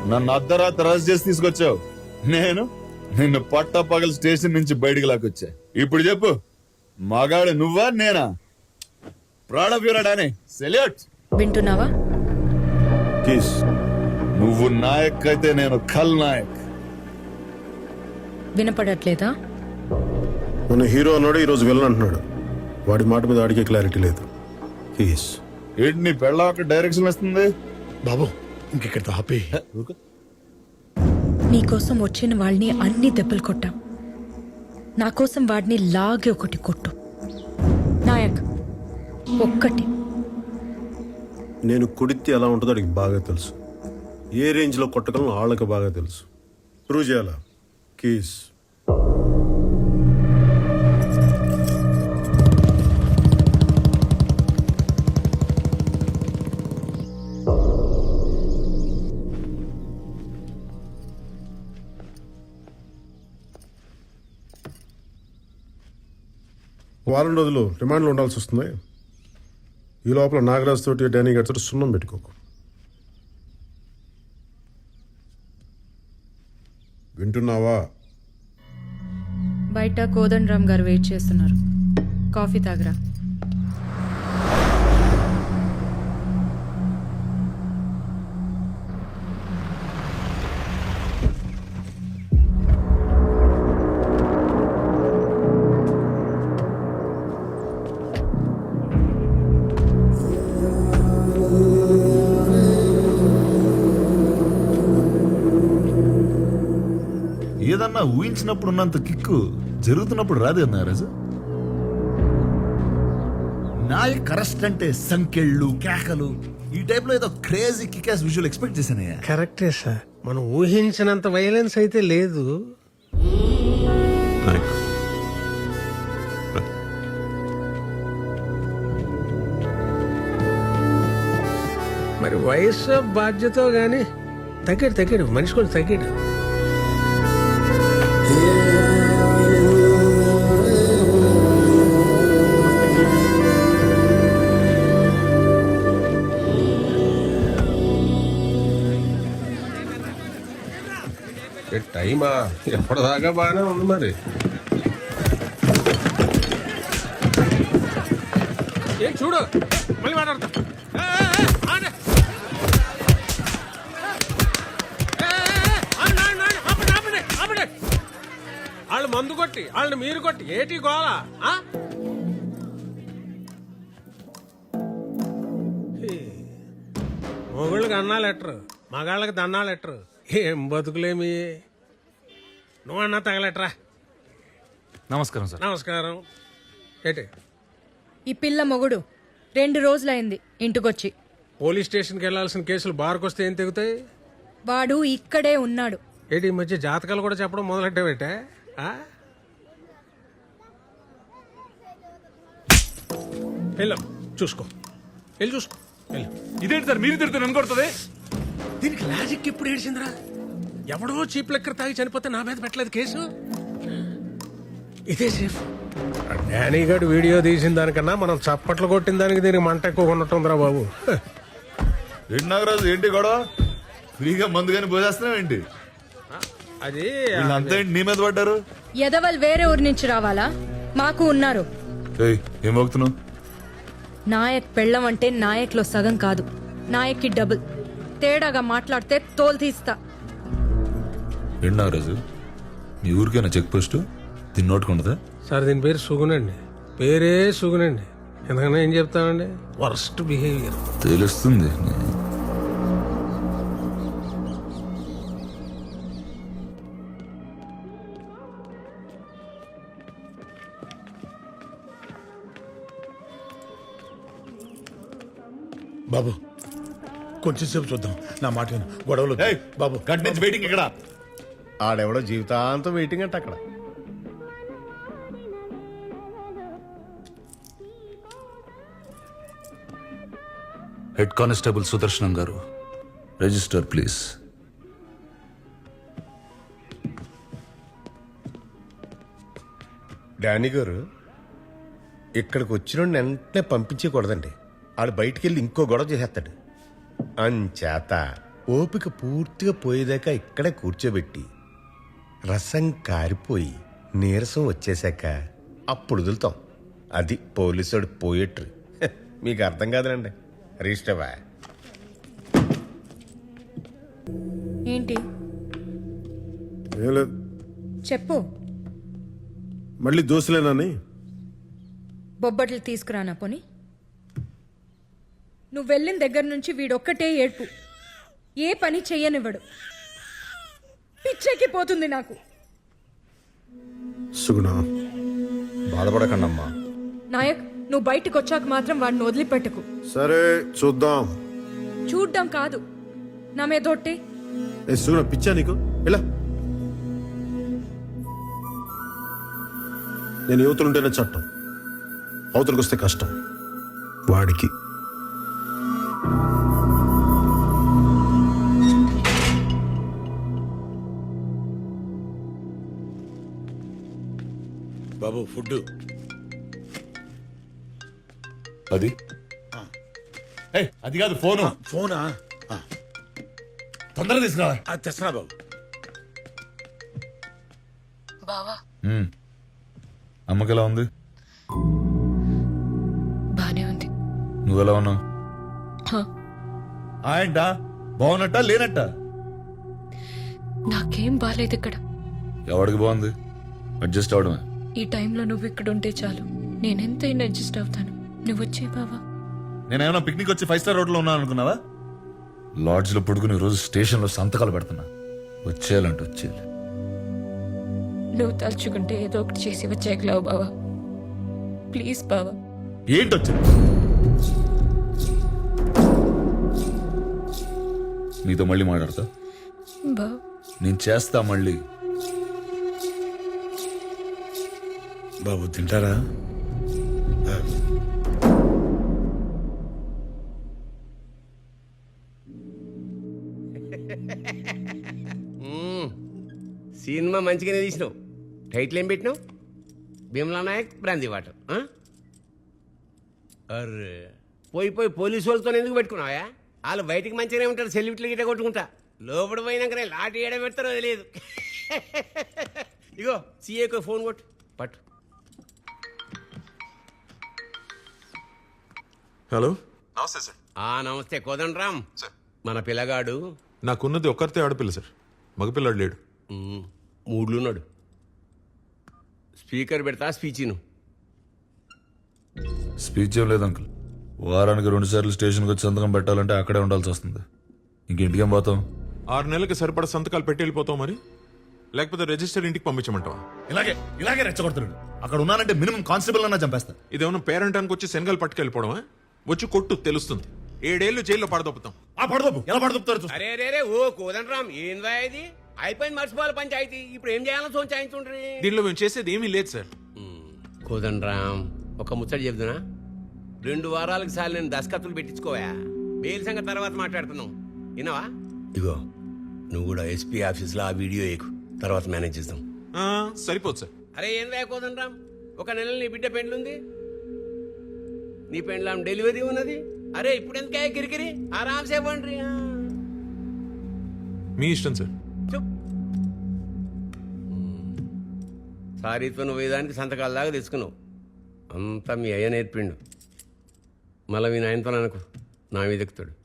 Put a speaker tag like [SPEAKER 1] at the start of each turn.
[SPEAKER 1] నన్ను అర్ధరాత్రి అరెస్ట్ చేసి తీసుకొచ్చావు. నేను నిన్ను పట్టపగల స్టేషన్ నుంచి బయటికి లాక్కొచ్చా. ఇప్పుడు చెప్పు, మగాడు నువ్వా నేనా? Proud of your Danny. Salute.
[SPEAKER 2] వింటున్నావా?
[SPEAKER 1] కిస్. నువ్వు నాయక్ అయితే నేను ఖల్ నాయక్.
[SPEAKER 2] వినపడట్లేదా?
[SPEAKER 3] మన హీరో అన్నాడు, ఈరోజు విలన్ అంటున్నాడు. వాడి మాట మీద ఆడికే క్లారిటీ లేదు. కీస్.
[SPEAKER 1] ఏంటి నీ పెళ్ళ డైరెక్షన్ వస్తుంది?
[SPEAKER 4] బాబు ఇంకెక్కడ ఆపే.
[SPEAKER 2] నీకోసం వచ్చిన వాళ్ళని అన్ని దెబ్బలు కొట్టాం. నా కోసం వాడిని లాగే ఒకటి కొట్టు నాయక్. ఒక్కటి.
[SPEAKER 3] నేను కొడితే ఎలా ఉంటుందో అడిగి బాగా తెలుసు. ఏ రేంజ్లో కొట్టగలను వాళ్ళకి బాగా తెలుసు. ప్రూవ్ చేయాలా? కీస్. వారం రోజులు రిమాండ్లో ఉండాల్సి వస్తుంది. ఈ లోపల నాగరాజ్ తోటి డానీ గడితో సున్నం పెట్టుకోకు. వింటున్నావా?
[SPEAKER 2] బయట కోదండరామ్ గారు వెయిట్ చేస్తున్నారు. కాఫీ తాగరా.
[SPEAKER 1] ఏదన్నా ఊహించినప్పుడు ఉన్నంత కిక్కు జరుగుతున్నప్పుడు రాదు కదా నాగరాజు. నాయక్ అరెస్ట్ అంటే సంకెళ్ళు, కేకలు, ఈ టైప్ లో ఏదో క్రేజీ కికాస్ విజువల్ ఎక్స్పెక్ట్ చేశానయ్యా.
[SPEAKER 5] కరెక్టే సార్, మనం ఊహించినంత వైలెన్స్ అయితే లేదు. మరి వయసు బాధ్యత గాని తగ్గాడు మనిషి కూడా తగ్గాడు. టైమా ఎప్పటిదాకా బాగానే ఉంది. మరి ఏం చూడు, మళ్ళీ మాట్లాడతా. వాళ్ళు మందు కొట్టి వాళ్ళని మీరు కొట్టి ఏటి గోళ. మొగుళ్ళకి అన్నాలు ఎట్టరు, మగాళ్ళకి దన్నాలు ఎట్టరు. ఏం బతుకులేమి. నువ్వన్నా తగలెట్రా.
[SPEAKER 6] నమస్కారం సార్.
[SPEAKER 5] నమస్కారం. ఏటి
[SPEAKER 2] ఈ పిల్ల మొగుడు 2 రోజులైంది ఇంటికొచ్చి.
[SPEAKER 5] పోలీస్ స్టేషన్కి వెళ్లాల్సిన కేసులు బార్కొస్తే ఏం తెగుతాయి?
[SPEAKER 2] వాడు ఇక్కడే ఉన్నాడు.
[SPEAKER 5] ఏటి ఈ మధ్య జాతకాలు కూడా చెప్పడం మొదలెట్టావేటే? వెళ్ళు చూసుకో, వెళ్ళి చూసుకో. వెళ్ళు.
[SPEAKER 6] ఇదేంటి సార్ మీరు తిరుగుతూ నన్ను కొడుతుంది?
[SPEAKER 5] దీనికి లాజిక్ ఎప్పుడు ఏడ్చిందిరా? ఎవడో చీప్ లెక్కర్ తాగి చనిపోతే నా మీద పెట్టలేదు కేసు. ఇదే సేఫ్. డానీ గారు వీడియో తీసిన దానికన్నా మనం చప్పట్లు కొట్టిన దానికి దీనికి మంట ఎక్కువ ఉన్నట్టుందిరా బాబు.
[SPEAKER 1] ఏంటి నాగరాజు, ఏంటి గొడవ? ఫ్రీగా మందు కానీ పోసేస్తున్నావు ఏంటి?
[SPEAKER 5] అది
[SPEAKER 1] అంతా ఏంటి నీ మీద పడ్డారు?
[SPEAKER 2] ఎదవల్ వేరే ఊరి నుంచి రావాలా? మాకు ఉన్నారు.
[SPEAKER 1] ఏం మోగుతున్నావు?
[SPEAKER 2] నాయక్ పెళ్ళం అంటే నాయక్లో సగం కాదు, నాయక్కి డబుల్. తేడాగా మాట్లాడితే తోలు తీస్తా.
[SPEAKER 1] ఏంటి నాగరాజు, మీ ఊరికైనా చెక్ పోస్ట్ దీన్ని నోటుకుంటుందా?
[SPEAKER 5] సార్ దీని పేరు సుగునండి. పేరే సుగునండి. ఎందుకన్నా ఏం చెప్తామండి, వర్స్ట్ బిహేవియర్.
[SPEAKER 1] తెలుస్తుంది.
[SPEAKER 4] బాబు కొంచెం సేపు చూద్దాం, నా మాట విను. గొడవలు బాబు.
[SPEAKER 1] గంట నుంచి వెయిటింగ్ ఇక్కడ.
[SPEAKER 3] ఆడెవడో జీవితాంతం వెయిటింగ్ అంటే అక్కడ.
[SPEAKER 6] హెడ్ కానిస్టేబుల్ సుదర్శనం గారు,
[SPEAKER 1] రిజిస్టర్ ప్లీజ్.
[SPEAKER 3] డానీ గారు ఇక్కడికి వచ్చిన వెంటనే పంపించకూడదండి. ఆడు బయటికి వెళ్ళి ఇంకో గొడవ చేసేస్తాడు. అంచేత
[SPEAKER 7] ఓపిక పూర్తిగా పోయేదాకా ఇక్కడే కూర్చోబెట్టి రసం కారిపోయి నీరసం వచ్చేశాక అప్పుడు వదులుతాం. అది పోలీసుడు పోయేట్రు. మీకు అర్థం కాదులండి. రిజిస్టర్వా?
[SPEAKER 2] ఏంటి
[SPEAKER 3] ఏం లేదు,
[SPEAKER 2] చెప్పు.
[SPEAKER 3] మళ్ళీ దోశలేనని.
[SPEAKER 2] బొబ్బట్లు తీసుకురానా పోని? నువ్వు వెళ్ళిన దగ్గర నుంచి వీడొక్కటే ఏడ్పు. ఏ పని చెయ్యనివ్వడు. పిచ్చెక్కి పోతుంది నాకు.
[SPEAKER 3] సుగుణ,
[SPEAKER 8] బాధపడకండమ్మా.
[SPEAKER 2] నాయక్, నువ్వు బయటకు వచ్చాక మాత్రం వాడిని వదిలిపెట్టకు.
[SPEAKER 3] సరే చూద్దాం.
[SPEAKER 2] చూడ్డం కాదు, నా మీదొట్టే.
[SPEAKER 3] ఏ సుగుణ, పిచ్చా నీకు? ఇలా నేను యువతులుంటేనే చట్టం, అవతలకు వస్తే కష్టం. వాడికి
[SPEAKER 4] బాబు ఫుడ్.
[SPEAKER 1] అది ఏయ్, అది కాదు ఫోను.
[SPEAKER 4] ఫోనా?
[SPEAKER 1] తొందరగా తీసుకురా.
[SPEAKER 4] అది తెస్తున్నా బాబు.
[SPEAKER 2] బావా,
[SPEAKER 1] అమ్మకి ఎలా ఉంది?
[SPEAKER 2] బానే ఉంది.
[SPEAKER 1] నువ్వెలా ఉన్నావు? ఏంట బాగున్నట్ట లేనట్ట?
[SPEAKER 2] నాకేం బాలేదు ఇక్కడ.
[SPEAKER 1] ఎవడికి బాగుంది? అడ్జస్ట్ అవడమే.
[SPEAKER 2] ఈ టైంలో నువ్వు ఇక్కడ ఉంటే చాలు, నేనెంతైనా అడ్జస్ట్ అవుతాను. నువ్వు వచ్చే బావా.
[SPEAKER 1] నేనేమన్నా పిక్నిక్ వచ్చి 5 స్టార్ హోటల్లో ఉన్నాను అనుకున్నావా? లాడ్జ్లో పడుకుని రోజు స్టేషన్లో సంతకాలు పెడుతున్నా. వచ్చేయాలంటే వచ్చేయాలి.
[SPEAKER 2] నువ్వు తలుచుకుంటే ఏదో ఒకటి చేసి వచ్చేయగలవు బావా. ప్లీజ్ బావా.
[SPEAKER 1] ఏంటి వచ్చింది? నీతో మళ్ళీ మాట్లాడతా.
[SPEAKER 2] బావా,
[SPEAKER 1] నేను చేస్తా మళ్ళీ.
[SPEAKER 4] బాబు తింటారా?
[SPEAKER 5] సినిమా మంచిగానే తీసినావు. టైటిల్ ఏం పెట్టినావు? భీమలా నాయక్ బ్రాంతి వాటర్. అర్రే, పోయి పోయి పోలీసు వాళ్ళతో ఎందుకు పెట్టుకున్నావా? వాళ్ళు బయటికి మంచిగానే ఉంటారు, సెల్యూట్లు గిట్ట కొట్టుకుంటా. లోపల పోయినాకనే లాటి ఏడ పెడతారో తెలియదు. ఇగో సీఏకు ఫోన్ కొట్టు. పట్టు.
[SPEAKER 9] హలో,
[SPEAKER 8] నమస్తే సార్.
[SPEAKER 5] నమస్తే కోదండరామ్. మన పిల్లగాడు
[SPEAKER 9] నాకున్నది ఒక్కరితే ఆడపిల్ల సార్, మగపిల్లాడు లేడు.
[SPEAKER 5] మూడ్లున్నాడు. స్పీకర్ పెడతా, స్పీచ్.
[SPEAKER 1] స్పీచ్ ఏం లేదు అంకుల్. వారానికి 2 సార్లు స్టేషన్కి వచ్చి సంతకం పెట్టాలంటే అక్కడే ఉండాల్సి వస్తుంది. ఇంకేం పోతాం?
[SPEAKER 9] 6 నెలలకి సరిపడా సంతకాలు పెట్టి వెళ్ళిపోతావు మరి, లేకపోతే రిజిస్టర్ ఇంటికి పంపించమంటావా?
[SPEAKER 1] ఇలాగే రెచ్చగొడుతున్నాడు. అక్కడ ఉన్నానంటే మినిమం కానిస్టేబుల్ అన్నా చంపేస్తా.
[SPEAKER 9] ఇదేమన్నా పేరెంటానికి వచ్చి శనగలు పట్టుకెళ్ళిపోవడమా? వచ్చి కొట్టు, తెలుస్తుంది. 7 ఏళ్ళు జైల్లో పడదొప్పుతాం.
[SPEAKER 1] పడదోపు ఎలా పడదొప్పుతారు?
[SPEAKER 5] అరే రే రే, ఓ కోదండరామ్, ఏందా ఇది? అయిపోయింది, మర్చిపోవాలి పంచాయతీ. ఇప్పుడు ఏం చేయాలో సోచాయించుండ్రి.
[SPEAKER 9] దీనిలో మేము చేసేది ఏమీ లేదు సార్.
[SPEAKER 5] కోదండరామ్, ఒక ముచ్చట చెబుతున్నా. 2 వారాలకు సార్లు నేను దస్కత్తులు పెట్టించుకోవా. బెయిల్ సంగతి తర్వాత మాట్లాడుతున్నావు, విన్నావా? ఇగో నువ్వు కూడా ఎస్పీ ఆఫీస్లో ఆ వీడియో ఎక్కు, తర్వాత మేనేజ్ చేద్దాం.
[SPEAKER 9] సరిపోదు సార్.
[SPEAKER 5] అరే ఏం లేకోదండరామ్, ఒక నెల నీ బిడ్డ పెండ్లుంది, నీ పెండ్లాం డెలివరీ ఉన్నది. అరే ఇప్పుడు ఎందుకే కిరికిరి? ఆరామ్సే పండ్రి.
[SPEAKER 9] మీ ఇష్టం సార్.
[SPEAKER 5] సారీతో నువ్వు వేదానికి సంతకాల దాకా తెచ్చుకున్నావు. అంతా మీ అయ్య నేర్పిండు. మళ్ళీ మీ నాయనతో అనుకో, నా మీద ఎక్కుతాడు.